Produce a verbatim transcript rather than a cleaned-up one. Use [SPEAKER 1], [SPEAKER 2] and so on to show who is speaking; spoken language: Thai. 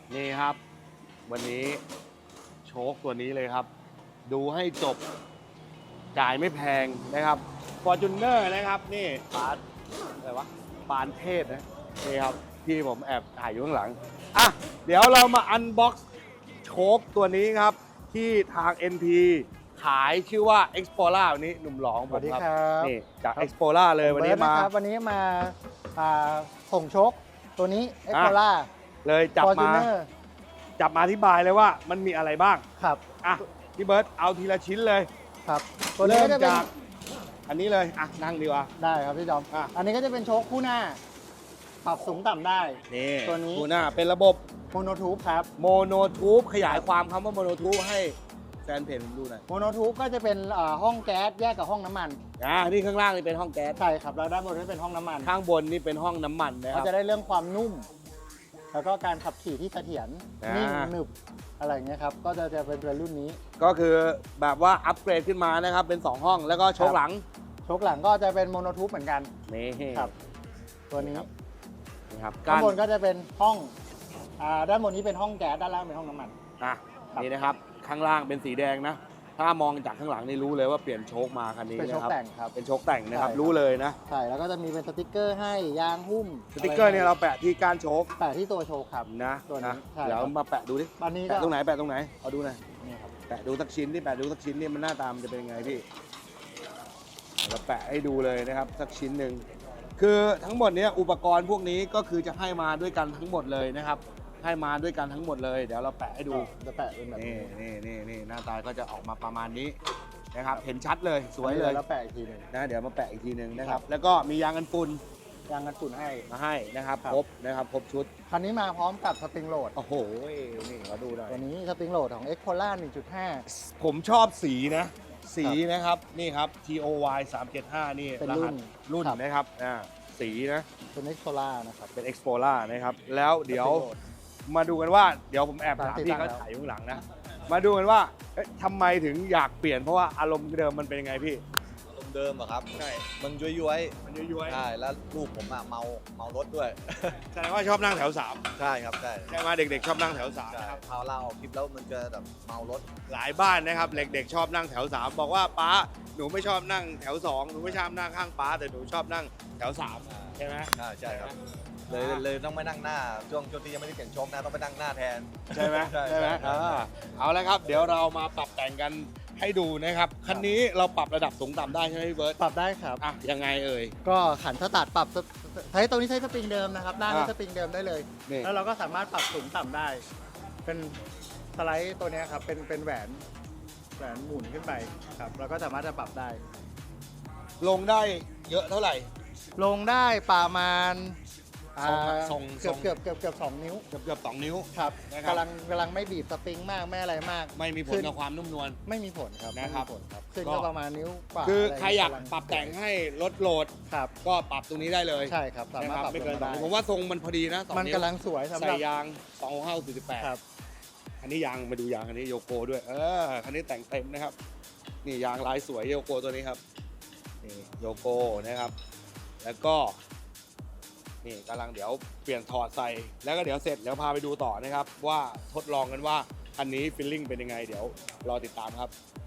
[SPEAKER 1] นี่ครับวันนี้โชคตัวนี้เลยครับ ดูให้จบจ่ายไม่แพงนะครับ Fortuner นะครับนี่ปานอะไรวะปานเทพนะนี่ครับที่ผมแอบถ่ายอยู่ข้างหลังอ่ะเดี๋ยวเรามาอันบ็อกซ์โชคตัวนี้ครับ ที่ทาง เอ็น พี ขายชื่อว่า Explorer วันนี้หนุ่มหลอง
[SPEAKER 2] ส
[SPEAKER 1] ผ
[SPEAKER 2] วั
[SPEAKER 1] ม
[SPEAKER 2] สดี
[SPEAKER 1] ครับ
[SPEAKER 2] ครับ
[SPEAKER 1] นี่จาก Explorer เลยวันนี้มา
[SPEAKER 2] เบิร์ดะครับวันนี้มาอ่าส่งโชคตัวนี้ เอ็กโคล่า
[SPEAKER 1] เลยจับมาจับมาอธิบายเลยว่ามันมีอะไรบ้าง
[SPEAKER 2] ครับ
[SPEAKER 1] อ่ะพี่เบิร์ตเอาทีละชิ้นเลย
[SPEAKER 2] ครับตัวนี้
[SPEAKER 1] เริ่ม
[SPEAKER 2] ก็จะเป็น
[SPEAKER 1] จากอันนี้เลยอ่ะนั่งดีกว่า
[SPEAKER 2] ได้ครับพี่จอม
[SPEAKER 1] อ่ะ
[SPEAKER 2] อันนี้ก็จะเป็นโชคคู่หน้า ปรับสูงต่ำได้
[SPEAKER 1] นี่
[SPEAKER 2] ตัวนี้
[SPEAKER 1] ดูหน้าเป็นระบบ
[SPEAKER 2] โมโนทูบครับ
[SPEAKER 1] โมโนทูบขยายความคำว่าโมโนทูบให้แฟนเพจผมดูหน่อย
[SPEAKER 2] โมโนทูบก็จะเป็นอ่าห้องแก๊สแยกกับห้องน้ำมัน
[SPEAKER 1] อ่านี่ข้างล่างนี่เป็นห้องแก๊ส
[SPEAKER 2] ใช่ครับแล้วด้านบนก็เป็นห้องน้ำมัน
[SPEAKER 1] ข้างบนนี่เป็นห้องน้ำมันนะค
[SPEAKER 2] ก็
[SPEAKER 1] รับ
[SPEAKER 2] จะได้เรื่องความนุ่ม แล้วก็การขับขี่ที่เสถียร
[SPEAKER 1] อ่านิ่
[SPEAKER 2] นิ่งหนึบอะไรอย่างเงี้ยครับก็จะจะเป็นรุ่นนี้
[SPEAKER 1] ก็คือแบบว่าอัปเกรดขึ้นมานะครับเป็นสองห้องแล้วก็โชคหลัง
[SPEAKER 2] โชคหลังก็จะเป็นโมโนทูบเหมือนกัน
[SPEAKER 1] นี่
[SPEAKER 2] ครับ ตัวนี้
[SPEAKER 1] นี่ครับ
[SPEAKER 2] ด้านบนก็จะเป็นห้องอ่าด้านบนนี้เป็นห้องแก๊สด้านล่างเป็นห้องน้ำมัน
[SPEAKER 1] อ่ะนี่นะครับข้างล่างเป็นสีแดงนะ ถ้ามองจากข้างหลังนี่รู้เลยว่าเปลี่ยนโชคมาคันนี้
[SPEAKER 2] เป็นโช
[SPEAKER 1] นะ
[SPEAKER 2] ค
[SPEAKER 1] ครับ
[SPEAKER 2] แต่งครับ
[SPEAKER 1] เป็นโชคแต่งนะครับ
[SPEAKER 2] ใช่ครับ
[SPEAKER 1] รู้เลยนะ
[SPEAKER 2] ใช่แล้วก็จะมีเป็นสติกเกอร์ให้ยางหุ้ม
[SPEAKER 1] สติ๊กเกอร์เนี่ยเราแปะที่ก้านโชค
[SPEAKER 2] แต่ที่ตัวโชว์ครับ
[SPEAKER 1] นะ
[SPEAKER 2] ตัวนี้
[SPEAKER 1] นะ
[SPEAKER 2] ใช่
[SPEAKER 1] เดี๋ยว
[SPEAKER 2] ครับ
[SPEAKER 1] มาแปะดูดิ
[SPEAKER 2] ตอนนี้ก็
[SPEAKER 1] แปะตรงไหนแปะตรงไหนเอาดูหน่อย
[SPEAKER 2] นี่ครับ
[SPEAKER 1] แปะดูสักชิ้นที่แปะดูสักชิ้นนี่มันหน้าตามนจะเป็นยังไงพี่เราแปะให้ดูเลยนะครับสักชิ้นหนึ่งคือทั้งหมดเนี้ยอุปกรณ์พวกนี้ก็คือจะให้มาด้วยกันทั้งหมดเลยนะครับ ให้มาด้วยกันทั้งหมดเลย เดี๋ยวเราแปะให้ดู
[SPEAKER 2] จะแปะเป็นแบบ
[SPEAKER 1] นี่
[SPEAKER 2] นี้
[SPEAKER 1] นี่นี่นี่หน้าตาก็จะออกมาประมาณนี้นะครับ เห็นชัดเลยสวยเลย
[SPEAKER 2] แล้วแปะอีกทีหนึง
[SPEAKER 1] นะเดี๋ยวมาแปะอีกทีหนึ่งนะค
[SPEAKER 2] ครั
[SPEAKER 1] รับ
[SPEAKER 2] บ
[SPEAKER 1] แล้วก็มียางกันฝุ่น
[SPEAKER 2] ยางกันฝุ่นให้
[SPEAKER 1] มาให้นะครับ
[SPEAKER 2] ครับ
[SPEAKER 1] ครบนะครับครบชุด
[SPEAKER 2] คันนี้มาพร้อมกับสปริงโหลด
[SPEAKER 1] โอ้โหนี่ขอดูหน่อย
[SPEAKER 2] ตัวนี้สปริงโหลดของ เอ็กโคล่า หนึ่งจุดห้า
[SPEAKER 1] ผมชอบสีนะ สีนะครับนี่ครับ ที โอ วาย สามเจ็ดห้านี่
[SPEAKER 2] เป็น
[SPEAKER 1] ร
[SPEAKER 2] รุ่
[SPEAKER 1] หัส
[SPEAKER 2] น
[SPEAKER 1] รุ่น
[SPEAKER 2] ครับ
[SPEAKER 1] นะครับอ่าสีนะ
[SPEAKER 2] เป็น เอ็กโคล่า นะครับ
[SPEAKER 1] เป็น Explorer นะครับแล้วเดี๋ยว
[SPEAKER 2] Spring Load
[SPEAKER 1] มาดูกันว่าเดี๋ยวผมแอบถาม
[SPEAKER 2] ตามที่
[SPEAKER 1] พี่
[SPEAKER 2] ตั้
[SPEAKER 1] เขา
[SPEAKER 2] งแล้ว
[SPEAKER 1] ถ่ายอยู่ข้างหลังนะ มาดูกันว่าเอ๊ะทำไมถึงอยากเปลี่ยนเพราะว่าอารมณ์เดิมมันเป็นยังไงพี่
[SPEAKER 3] อารมณ์เดิมอะครับ
[SPEAKER 1] ใช่
[SPEAKER 3] มันย้วยย้วย
[SPEAKER 1] มันย้วย
[SPEAKER 3] ๆใช่ แล้วลูกผมอะเมา เมารถด้วย
[SPEAKER 1] ๆแสดงว่าชอบนั่งแถวสาม
[SPEAKER 3] ใช่ครับใช่
[SPEAKER 1] ใช่ไหมเด็กๆชอบนั่งแถวสาม
[SPEAKER 3] ใช่
[SPEAKER 1] นะครับ
[SPEAKER 3] พาเราออกทริปแล้วมันจะแบบเมารถ
[SPEAKER 1] หลายบ้านนะครับเด็กๆชอบนั่งแถวสามบอกว่าป้าหนูไม่ชอบนั่งแถวสองหนูไม่ชอบนั่งข้างป้าแต่หนูชอบนั่งแถวสามใช่ไหม
[SPEAKER 3] ใช่ใช่ครับ เลยเลยต้องไม่นั่งหน้า ช่วงช่วงที่ยังไม่ได้เปลี่ยนโชคนะต้องไปนั่งหน้าแทน
[SPEAKER 1] ใช่ไหม
[SPEAKER 3] ใช่
[SPEAKER 1] ใช่ไหม
[SPEAKER 3] ใช่
[SPEAKER 1] อ่าเอาละครับ เดี๋ยวเรามาปรับแต่งกันให้ดูนะครับคันนี้เราปรับระดับสูงต่ำได้ใช่ไหมพี่เบิร์ต
[SPEAKER 2] ปรับได้ครับ
[SPEAKER 1] อ่ะยังไงเอ่ย
[SPEAKER 2] ก็ขันสตาร์ทปรับสใช้ตรงนี้ใช้สปริงเดิมนะครับหน้า
[SPEAKER 1] อ่ะ
[SPEAKER 2] ใช้สปริงเดิมได้เลย
[SPEAKER 1] นี่
[SPEAKER 2] แล้วเราก็สามารถปรับสูงต่ำได้ เป็นสไลด์ตัวเนี้ยครับ เป็นเป็นแหวนแหวนหมุนขึ้นไปครับ เราก็สามารถจะปรับได้
[SPEAKER 1] ลงได้เยอะเท่าไหร่
[SPEAKER 2] ลงได้ประมาณ
[SPEAKER 1] ทรง
[SPEAKER 2] อ่า
[SPEAKER 1] ทรง
[SPEAKER 2] เกือบ
[SPEAKER 1] ทรง
[SPEAKER 2] เกือบเกือบเกือบสองนิ้ว
[SPEAKER 1] เกือบเกือบสองนิ้ว
[SPEAKER 2] ครับ
[SPEAKER 1] นะครับ
[SPEAKER 2] กำลังกำลังไม่บีบสปริงมากไม่อะไรมาก
[SPEAKER 1] ไม่มีผล
[SPEAKER 2] ขึ้น
[SPEAKER 1] กับความนุ่มนวล
[SPEAKER 2] ไม่มีผลครับ
[SPEAKER 1] นะครับ
[SPEAKER 2] ไม่มีผลครับขึ้น
[SPEAKER 1] ก็
[SPEAKER 2] ก็ประมาณนิ้วกว่า
[SPEAKER 1] คือ
[SPEAKER 2] อะไ
[SPEAKER 1] ใครอยาก
[SPEAKER 2] กำลั
[SPEAKER 1] ปรับแต่งให้ลดโหลด
[SPEAKER 2] ครับ
[SPEAKER 1] ก็ปรับตรงนี้ได้เลย
[SPEAKER 2] ใช่ครับสา
[SPEAKER 1] นะ
[SPEAKER 2] มารถ
[SPEAKER 1] ครับ
[SPEAKER 2] ปรับ
[SPEAKER 1] ไม่เกิน
[SPEAKER 2] ลง
[SPEAKER 1] สอง
[SPEAKER 2] ได้
[SPEAKER 1] นิ้วผมว่าทรงมันพอดีนะสอง
[SPEAKER 2] มัน
[SPEAKER 1] นิ้ว
[SPEAKER 2] กำลังสวยสำห
[SPEAKER 1] ใส่
[SPEAKER 2] รับ
[SPEAKER 1] ยางสองห้าสี่สิบแปด
[SPEAKER 2] ครับ
[SPEAKER 1] อันนี้ยางมาดูยางอันนี้โยโกด้วย เออคันนี้แต่งเต็มนะครับ นี่ยางลายสวยโยโกตัวนี้ครับ นี่โยโกนะครับ แล้วก็ นี่กำลังเดี๋ยวเปลี่ยนถอดใส่ แล้วก็เดี๋ยวเสร็จเดี๋ยวพาไปดูต่อนะครับ ว่าทดลองกันว่าคันนี้ฟีลลิ่งเป็นยังไง เดี๋ยวรอติดตามครับ